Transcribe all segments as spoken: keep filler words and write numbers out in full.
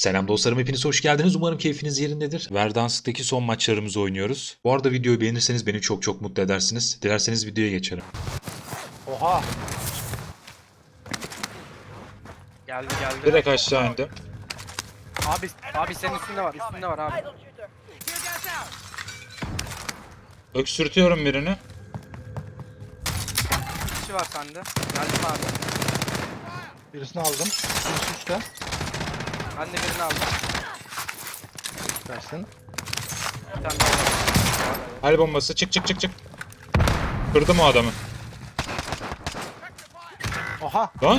Selam dostlarım, hepiniz hoş geldiniz. Umarım keyfiniz yerindedir. Verdansk'taki son maçlarımızı oynuyoruz. Bu arada videoyu beğenirseniz beni çok çok mutlu edersiniz. Dilerseniz videoya geçelim. Oha. Geldi geldi. Direkt aşağı indi. Abi abi senin üstünde var. Üstünde var abi. Öksürtüyorum birini. Bir kişi var sende. Geldim abi. Birisini aldım. Birisi üstte. Ben de birini aldım. Versin. Bir tane daha var. El bombası, çık çık çık çık. Kırdım o adamı. Oha. Lan.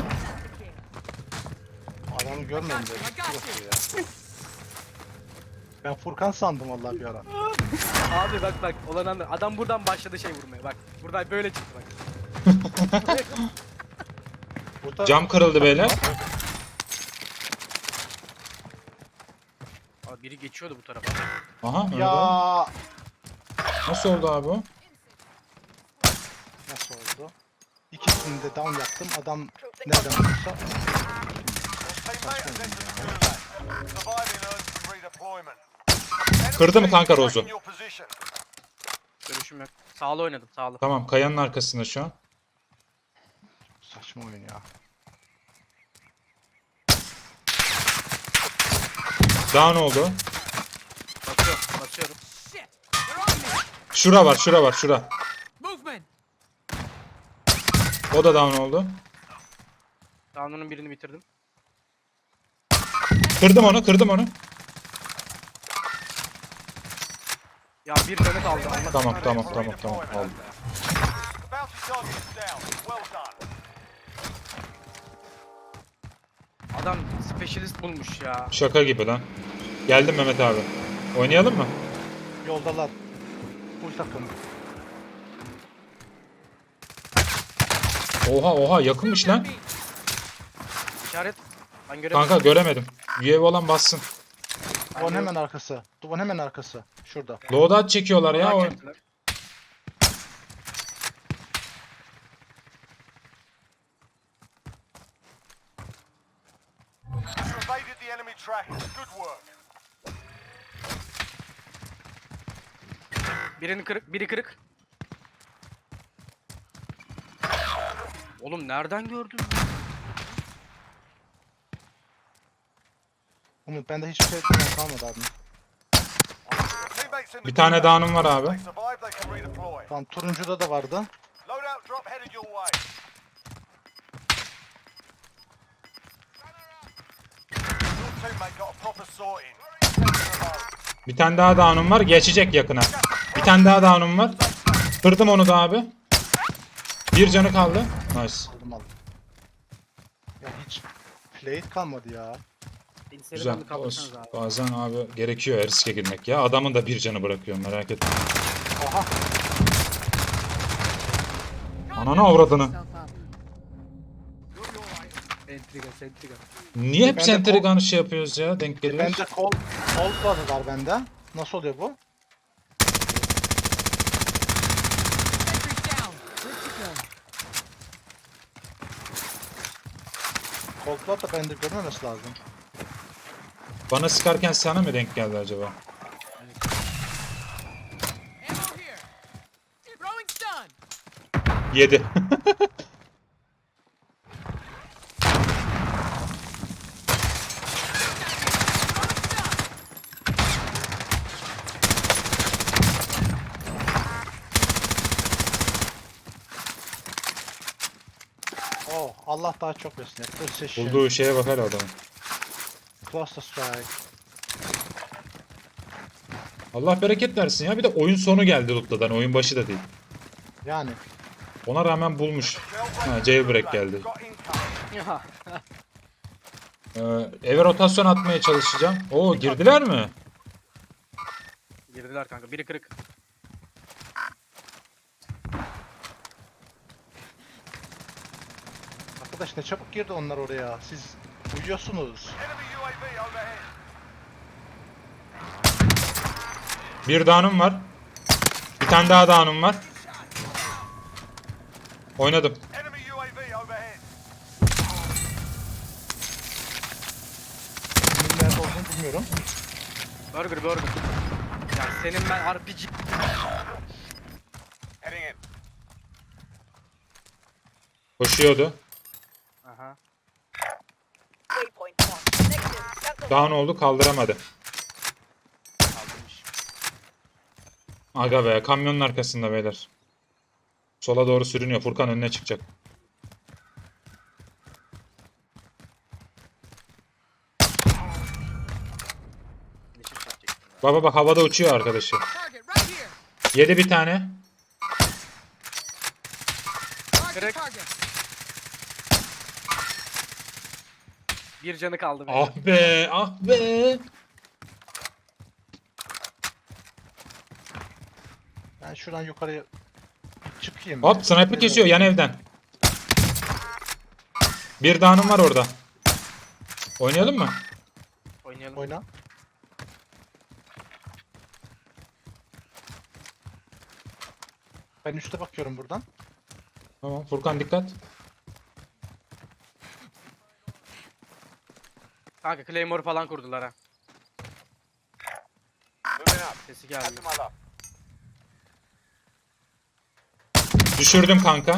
Adamı görmedim dedim. Yok ya. Ben Furkan sandım vallahi bir ara. Abi bak bak olan anda adam buradan başladı şey vurmaya bak. Buradan böyle çıktı bak. Burada Cam kırıldı beyler. Abi biri geçiyordu bu tarafa. Aha. öyle. ya Nasıl oldu abi o? nasıl oldu? İkisini de down yaptım. Adam nereden olursa Kırdı mı kanka Rozu? Görüşüm yok. Sağlı oynadım sağlı. Tamam, kayanın arkasında şu an. saçma oyun ya. Down oldu. Basıyorum basıyorum. Şura var, şura var, şura. O da down oldu. Down'un birini bitirdim. Kırdım onu, kırdım onu. Ya bir canı kaldı. Allah Tamam, kahretsin. tamam, tamam, tamam. Oldu. Adam specialist bulmuş ya. Şaka gibi lan. Geldim Mehmet abi. Oynayalım mı? Yoldalar. Full takım. Oha oha, yakınmış lan. İşaret. Ben göremedim. Kanka göremedim. U A V olan bassın. Duvarın hemen arkası. Duvarın hemen arkası. Şurada. Loadout çekiyorlar ya. O... Merak ettiler. Birini kırık, biri kırık. Oğlum nereden gördün? Umut bende hiçbir şey falan kalmadı abi. Bir tane down'um var abi. Tamam turuncuda da vardı. Bir tane daha down'um var. Geçecek yakına. Bir tane daha down'um var. Kırdım onu da abi. Bir canı kaldı. Nice. Aldım aldım. Ya hiç plate kalmadı ya. Bilgisayarı Güzel. ben de kaldırsanız abi. Bazen abi gerekiyor ya, riske girmek ya. Adamın da bir canı bırakıyor, merak etme. Aha. Ananı avradını. Entriga, entriga. Niye hep Ben de Sentrigan'ı şey yapıyoruz ya? Denk geliyoruz. Bende kol kol var bende. Nasıl oluyor bu? Cold'lar da bende görmemesi lazım. Bana sıkarken sana mı denk geldi acaba? Yedi. Oh Allah daha çok versin. Precision. Bulduğu şeye bakar adamın. Cluster strike. Allah bereket versin ya. Bir de oyun sonu geldi lootladan. Oyun başı da değil. Yani. Ona rağmen bulmuş. Ha, jailbreak geldi. Ya. Ee, eve rotasyon atmaya çalışacağım. Oo, girdiler mi? Girdiler kanka. Biri kırık. Arkadaş ne çabuk girdi onlar oraya. Siz uyuyorsunuz. Bir down'um var. Bir tane daha down'um var. Oynadım. Nerede olduğunu Bilmiyorum. Burger burger. Ya senin ben R P G. Koşuyordu. Aha. Waypoint marked. Negative. Cancel. Down oldu, kaldıramadı. Kaldırmış. Aga be, kamyonun arkasında beyler. Sola doğru sürünüyor. Furkan önüne çıkacak. Neşir çekecektim ya. Baba bak, havada uçuyor arkadaşı. Target right here. Yedi bir tane. Target, Correct. target. Bir canı kaldı benim. Ah be, ah be. Ben şuradan yukarıya çıkayım. Hop, sniper kesiyor yan evden. Bir down'um var orada. Oynayalım mı? Oynayalım. Oyna. Ben üste bakıyorum buradan. Tamam, Furkan dikkat. Kanka Claymore falan kurdular ha. Sesi geldi. Düşürdüm kanka.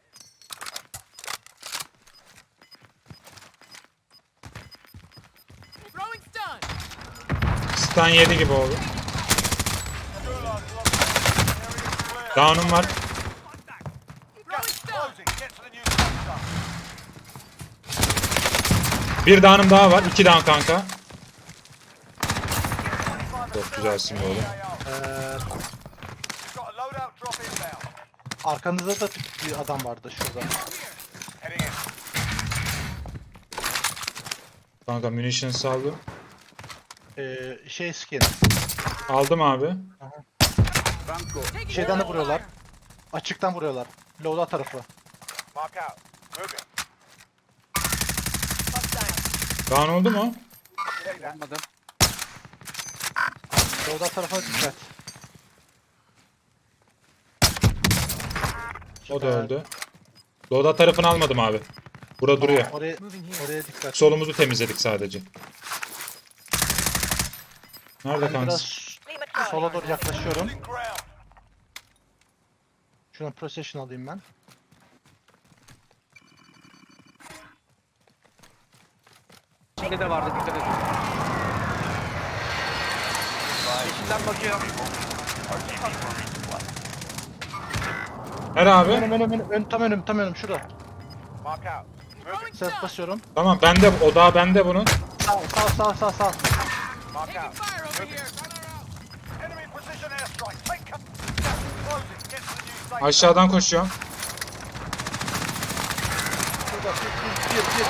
Throwing stun. Stun yedi gibi oldu. Down'um var. Throwing stun. Bir down'um daha var. İki down kanka. Çok güzelsin be oğlum. Ee, arkanızda da bir adam vardı şurada. Kanka munition saldı. Ee, şey skin. Aldım abi. Taking Şeyden de fire. vuruyorlar. Açıktan vuruyorlar. Loadout tarafı. Down oldu mu? Olmadı. Loadout tarafına dikkat. O da Süper. öldü. Loda tarafını almadım abi. Burada duruyor. Oraya, Moving here. oraya dikkat. Solumuzu temizledik sadece. Nerede Ben kanka? biraz Limit target. sola doğru yaklaşıyorum. Şuradan procession alayım ben. Şimdi de vardı dikkat edin. Yeşilden bakıyor. Her abi. Önüm önüm önüm, ön, tam önüm tam önüm şurada. Throwing Ses stun. basıyorum. Tamam, bende o daha bende bunun. Sağ sağ sağ sağ sağ. Taking fire over here. Aşağıdan koşuyorum. Şurada bir bir bir bir.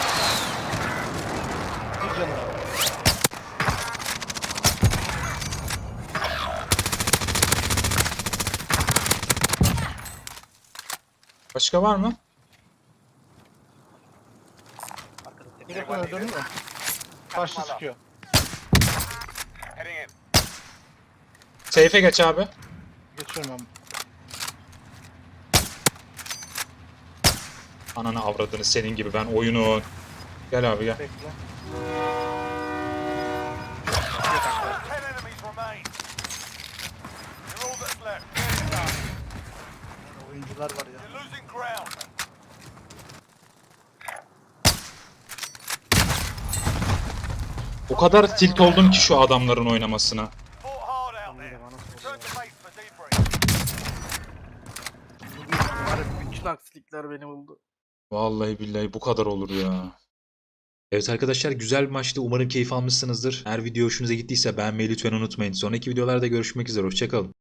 Bir canım. Başka var mı? Bir de bunu öldürdün mü? Karşı sıkıyor. Seyfe geç abi. Geçiyorum ben. Ananı avradını senin gibi ben oyunu. Gel abi gel. Bekle. Oyuncular var ya. O kadar tilt oldum ki şu adamların oynamasına. Bütün aksilikler beni buldu. Vallahi billahi bu kadar olur ya. Evet arkadaşlar, güzel bir maçtı. Umarım keyif almışsınızdır. Eğer video hoşunuza gittiyse beğenmeyi lütfen unutmayın. Sonraki videolarda görüşmek üzere. Hoşçakalın.